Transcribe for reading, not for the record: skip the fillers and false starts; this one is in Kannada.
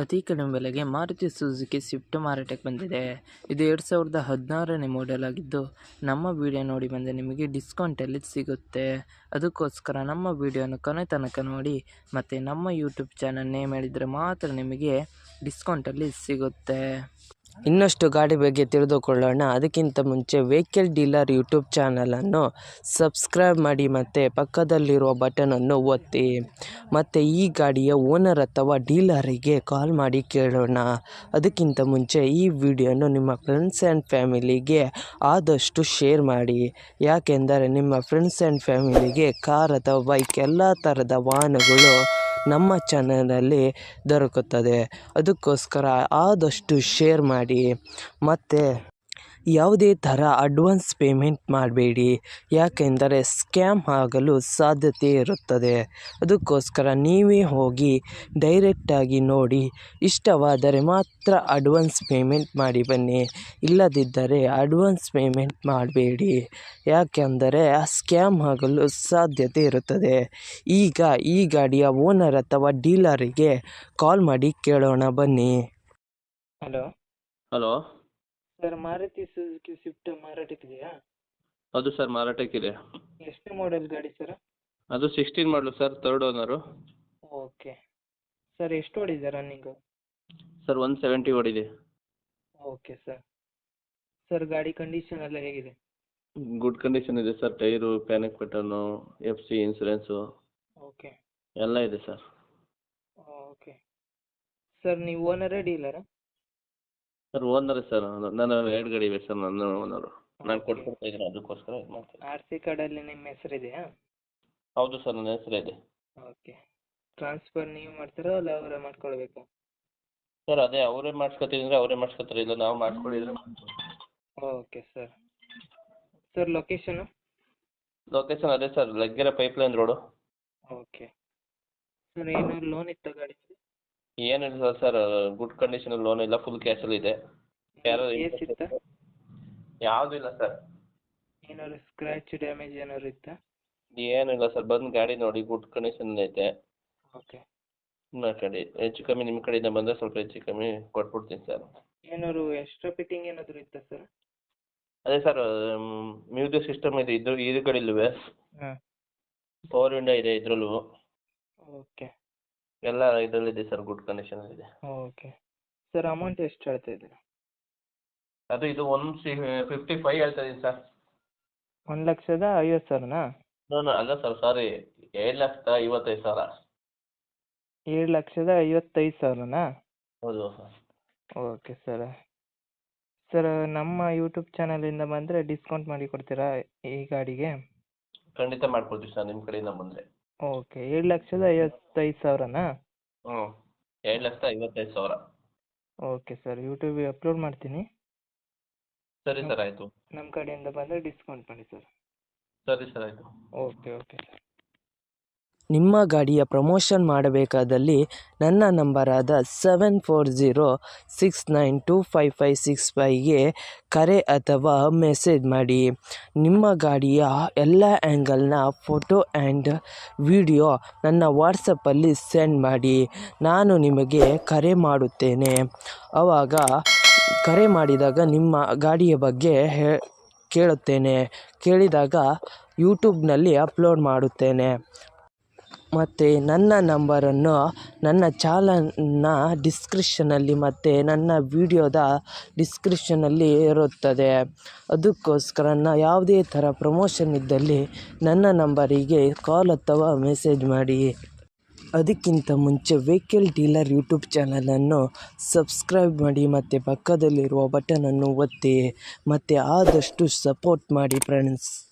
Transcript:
ಅತಿ ಕಡಿಮೆ ಬೆಲೆಗೆ ಮಾರುತಿ ಸುಜುಕಿ ಸ್ವಿಫ್ಟ್ ಮಾರಾಟಕ್ಕೆ ಬಂದಿದೆ. ಇದು 2016ನೇ ಮಾಡೆಲ್ ಆಗಿದ್ದು, ನಮ್ಮ ವಿಡಿಯೋ ನೋಡಿ ಬಂದರೆ ನಿಮಗೆ ಡಿಸ್ಕೌಂಟಲ್ಲಿ ಸಿಗುತ್ತೆ. ಅದಕ್ಕೋಸ್ಕರ ನಮ್ಮ ವಿಡಿಯೋನ ಕೊನೆ ತನಕ ನೋಡಿ ಮತ್ತು ನಮ್ಮ ಯೂಟ್ಯೂಬ್ ಚಾನಲ್ ನೇಮ್ ಹೇಳಿದರೆ ಮಾತ್ರ ನಿಮಗೆ ಡಿಸ್ಕೌಂಟಲ್ಲಿ ಸಿಗುತ್ತೆ. ಇನ್ನಷ್ಟು ಗಾಡಿ ಬಗ್ಗೆ ತಿಳಿದುಕೊಳ್ಳೋಣ. ಅದಕ್ಕಿಂತ ಮುಂಚೆ ವೆಹಿಕಲ್ ಡೀಲರ್ ಯೂಟ್ಯೂಬ್ ಚಾನಲನ್ನು ಸಬ್ಸ್ಕ್ರೈಬ್ ಮಾಡಿ ಮತ್ತು ಪಕ್ಕದಲ್ಲಿರುವ ಬಟನನ್ನು ಒತ್ತಿ. ಮತ್ತು ಈ ಗಾಡಿಯ ಓನರ್ ಅಥವಾ ಡೀಲರಿಗೆ ಕಾಲ್ ಮಾಡಿ ಕೇಳೋಣ. ಅದಕ್ಕಿಂತ ಮುಂಚೆ ಈ ವಿಡಿಯೋನು ನಿಮ್ಮ ಫ್ರೆಂಡ್ಸ್ ಆ್ಯಂಡ್ ಫ್ಯಾಮಿಲಿಗೆ ಆದಷ್ಟು ಶೇರ್ ಮಾಡಿ. ಯಾಕೆಂದರೆ ನಿಮ್ಮ ಫ್ರೆಂಡ್ಸ್ ಆ್ಯಂಡ್ ಫ್ಯಾಮಿಲಿಗೆ ಕಾರ್ ಅಥವಾ ಬೈಕ್ ಎಲ್ಲ ಥರದ ವಾಹನಗಳು ನಮ್ಮ ಚಾನಲಲ್ಲಿ ದೊರಕುತ್ತದೆ. ಅದಕ್ಕೋಸ್ಕರ ಆದಷ್ಟು ಶೇರ್ ಮಾಡಿ. ಮತ್ತು ಯಾವುದೇ ಥರ ಅಡ್ವಾನ್ಸ್ ಪೇಮೆಂಟ್ ಮಾಡಬೇಡಿ, ಯಾಕೆಂದರೆ ಸ್ಕ್ಯಾಮ್ ಆಗಲು ಸಾಧ್ಯತೆ ಇರುತ್ತದೆ. ಅದಕ್ಕೋಸ್ಕರ ನೀವೇ ಹೋಗಿ ಡೈರೆಕ್ಟಾಗಿ ನೋಡಿ, ಇಷ್ಟವಾದರೆ ಮಾತ್ರ ಅಡ್ವಾನ್ಸ್ ಪೇಮೆಂಟ್ ಮಾಡಿ ಬನ್ನಿ. ಇಲ್ಲದಿದ್ದರೆ ಅಡ್ವಾನ್ಸ್ ಪೇಮೆಂಟ್ ಮಾಡಬೇಡಿ, ಯಾಕೆಂದರೆ ಸ್ಕ್ಯಾಮ್ ಆಗಲು ಸಾಧ್ಯತೆ ಇರುತ್ತದೆ. ಈಗ ಈ ಗಾಡಿಯ ಓನರ್ ಅಥವಾ ಡೀಲರಿಗೆ ಕಾಲ್ ಮಾಡಿ ಕೇಳೋಣ ಬನ್ನಿ. Hello sir, Maruti Suzuki Swift ಮಾರಾಟಕ್ಕಿದೆಯಾ? ಹೌದು ಸರ್, ಮಾರಾಟಕ್ಕಿದೆ. ಎಷ್ಟು ಮಾಡೆಲ್ ಗಾಡಿ ಸರ್? ಅದು 16 ಮಾಡಲು sir, 3rd owner. Okay sir, ಎಷ್ಟು ಓಡಿದೆ ರನ್ನಿಂಗು? ಸರ್ 170 ಓಡಿದೆ. ಓಕೆ ಸರ್ ಗಾಡಿ ಕಂಡೀಷನ್ ಎಲ್ಲ ಹೇಗಿದೆ? ಗುಡ್ ಕಂಡೀಷನ್ ಇದೆ sir. Tyre, panic button, FC insurance okay ಎಲ್ಲ ಇದೆ ಸರ್. ಓಕೆ ಸರ್, ನೀವು ಓನರೇ ಡೀಲರಾ? Sir ಓನರೇ sir. ನಾನು 2 ಗಾಡಿ ಇವೆ ಸರ್, ನನ್ನ ಓನರು. ನಾನು ಕೊಡ್ತಾ ಇದ್ದೀನಿ, ಅದಕ್ಕೋಸ್ಕರ ಇದು ಮಾಡ್ತೀನಿ. RC ಕಾರ್ಡಲ್ಲಿ ನಿಮ್ಮ ಹೆಸರಿದೆಯಾ? ಹೌದು ಸರ್, ನನ್ನ ಹೆಸರೇ ಇದೆ. ಓಕೆ. ಟ್ರಾನ್ಸ್ಫರ್ ನೀವು ಮಾಡ್ತೀರಾ ಅಲ್ಲ ಅವರೇ ಮಾಡ್ಕೊಳ್ಬೇಕಾ? ಸರ್ ಅದೇ ಅವರೇ ಮಾಡಿಸ್ಕೊತಿದ್ರೆ ಅವರೇ ಮಾಡಿಸ್ಕೊತಾರೆ, ಇಲ್ಲ ನಾವು ಮಾಡಿಸ್ಕೊಂಡಿದ್ರೆ. Okay sir location? ಲೊಕೇಶನ್ ಅದೇ sir, Laggere pipeline road. Okay sir, ಏನಾದ್ರು ಲೋನ್ ಇತ್ತಾ ಗಾಡಿ? ಏನಿಲ್ಲ ಸರ್, ಗುಡ್ ಕಂಡೀಷನ್, ಲೋನ್ ಇಲ್ಲ, ಫುಲ್ ಕ್ಯಾಶಲ್ಲಿ ಇದೆ. ಯಾರು ಕೇಸ್ ಇತ್ತಾ? ಯಾವುದೂ ಇಲ್ಲ ಸರ್. ಏನಾದ್ರು ಸ್ಕ್ರ್ಯಾಚ್ ಡ್ಯಾಮೇಜ್ ಏನಾದ್ರು ಇತ್ತಾ? ಏನಿಲ್ಲ ಸರ್, ಬಂದು ಗಾಡಿ ನೋಡಿ, ಗುಡ್ ಕಂಡೀಷನ್ ಐತೆ. ಓಕೆ. ಮಾತಾಡಿ, ಹೆಚ್ಚು ಕಮ್ಮಿ ನಿಮ್ಮ ಕಡೆಯಿಂದ ಬಂದರೆ ಸ್ವಲ್ಪ ಹೆಚ್ಚು ಕಮ್ಮಿ ಕೊಟ್ಬಿಡ್ತೀನಿ ಸರ್. ಏನಾದ್ರು ಎಕ್ಸ್ಟ್ರಾ ಫಿಟ್ಟಿಂಗ್ ಏನಾದರೂ ಇತ್ತಾ ಸರ್? ಅದೇ ಸರ್, ಮ್ಯೂಸಿಕ್ ಸಿಸ್ಟಮ್ ಇದೆ ಇದು ಕಡೆಯಲ್ಲೂ. ಹಾಂ. ಪವರ್ ವಿಂಡೋ ಇದೆ ಇದರಲ್ಲೂ. ಓಕೆ. ಎಲ್ಲ ಇದರಲ್ಲಿದೆ ಸರ್, ಗುಡ್ ಕಂಡೀಷನಲ್ಲಿದೆ. ಓಕೆ ಸರ್, ಅಮೌಂಟ್ ಎಷ್ಟು ಹೇಳ್ತಾ ಇದ್ದೀರಾ? ಇದು 155 ಹೇಳ್ತಾ ಇದ್ದೀನಿ ಸರ್. 1,50,000ನಾ? ಅಲ್ಲ ಸರ್, ಸಾರಿ, 7,55,000. 7,55,000ನಾ? ಹೌದು ಸರ್. ಓಕೆ ಸರ್ ನಮ್ಮ ಯೂಟ್ಯೂಬ್ ಚಾನಲಿಂದ ಬಂದರೆ ಡಿಸ್ಕೌಂಟ್ ಮಾಡಿ ಕೊಡ್ತೀರಾ ಈ ಗಾಡಿಗೆ? ಖಂಡಿತ ಮಾಡ್ಕೊಡ್ತೀವಿ ಸರ್, ನಿಮ್ಮ ಕಡೆಯಿಂದ ಬಂದರೆ. ಓಕೆ. 7,55,000ನಾ? 7,55,000. ಓಕೆ ಸರ್, ಯೂಟ್ಯೂಬಿಗೆ ಅಪ್ಲೋಡ್ ಮಾಡ್ತೀನಿ. ಸರಿ ಸರ್, ಆಯಿತು. ನಮ್ಮ ಕಡೆಯಿಂದ ಬಂದರೆ ಡಿಸ್ಕೌಂಟ್ ಮಾಡಿ ಸರ್. ಸರಿ ಸರ್, ಆಯಿತು. Okay sir. ನಿಮ್ಮ ಗಾಡಿಯ ಪ್ರಮೋಷನ್ ಮಾಡಬೇಕಾದಲ್ಲಿ ನನ್ನ ನಂಬರಾದ 7406925565ಗೆ ಕರೆ ಅಥವಾ ಮೆಸೇಜ್ ಮಾಡಿ. ನಿಮ್ಮ ಗಾಡಿಯ ಎಲ್ಲ ಆ್ಯಂಗಲ್ನ ಫೋಟೋ ಆ್ಯಂಡ್ ವಿಡಿಯೋ ನನ್ನ ವಾಟ್ಸಪ್ಪಲ್ಲಿ ಸೆಂಡ್ ಮಾಡಿ. ನಾನು ನಿಮಗೆ ಕರೆ ಮಾಡುತ್ತೇನೆ. ಆವಾಗ ಕರೆ ಮಾಡಿದಾಗ ನಿಮ್ಮ ಗಾಡಿಯ ಬಗ್ಗೆ ಕೇಳುತ್ತೇನೆ. ಕೇಳಿದಾಗ ಯೂಟ್ಯೂಬ್ನಲ್ಲಿ ಅಪ್ಲೋಡ್ ಮಾಡುತ್ತೇನೆ. ಮತ್ತು ನನ್ನ ನಂಬರನ್ನು ನನ್ನ ಚಾನಲ್ನ ಡಿಸ್ಕ್ರಿಪ್ಷನಲ್ಲಿ ಮತ್ತು ನನ್ನ ವಿಡಿಯೋದ ಡಿಸ್ಕ್ರಿಪ್ಷನಲ್ಲಿ ಇರುತ್ತದೆ. ಅದಕ್ಕೋಸ್ಕರ ಯಾವುದೇ ಥರ ಪ್ರಮೋಷನ್ ಇದ್ದಲ್ಲಿ ನನ್ನ ನಂಬರಿಗೆ ಕಾಲ್ ಅಥವಾ ಮೆಸೇಜ್ ಮಾಡಿ. ಅದಕ್ಕಿಂತ ಮುಂಚೆ ವೆಹಿಕಲ್ ಡೀಲರ್ ಯೂಟ್ಯೂಬ್ ಚಾನಲನ್ನು ಸಬ್ಸ್ಕ್ರೈಬ್ ಮಾಡಿ ಮತ್ತು ಪಕ್ಕದಲ್ಲಿರುವ ಬಟನನ್ನು ಒತ್ತಿ ಮತ್ತು ಆದಷ್ಟು ಸಪೋರ್ಟ್ ಮಾಡಿ ಫ್ರೆಂಡ್ಸ್.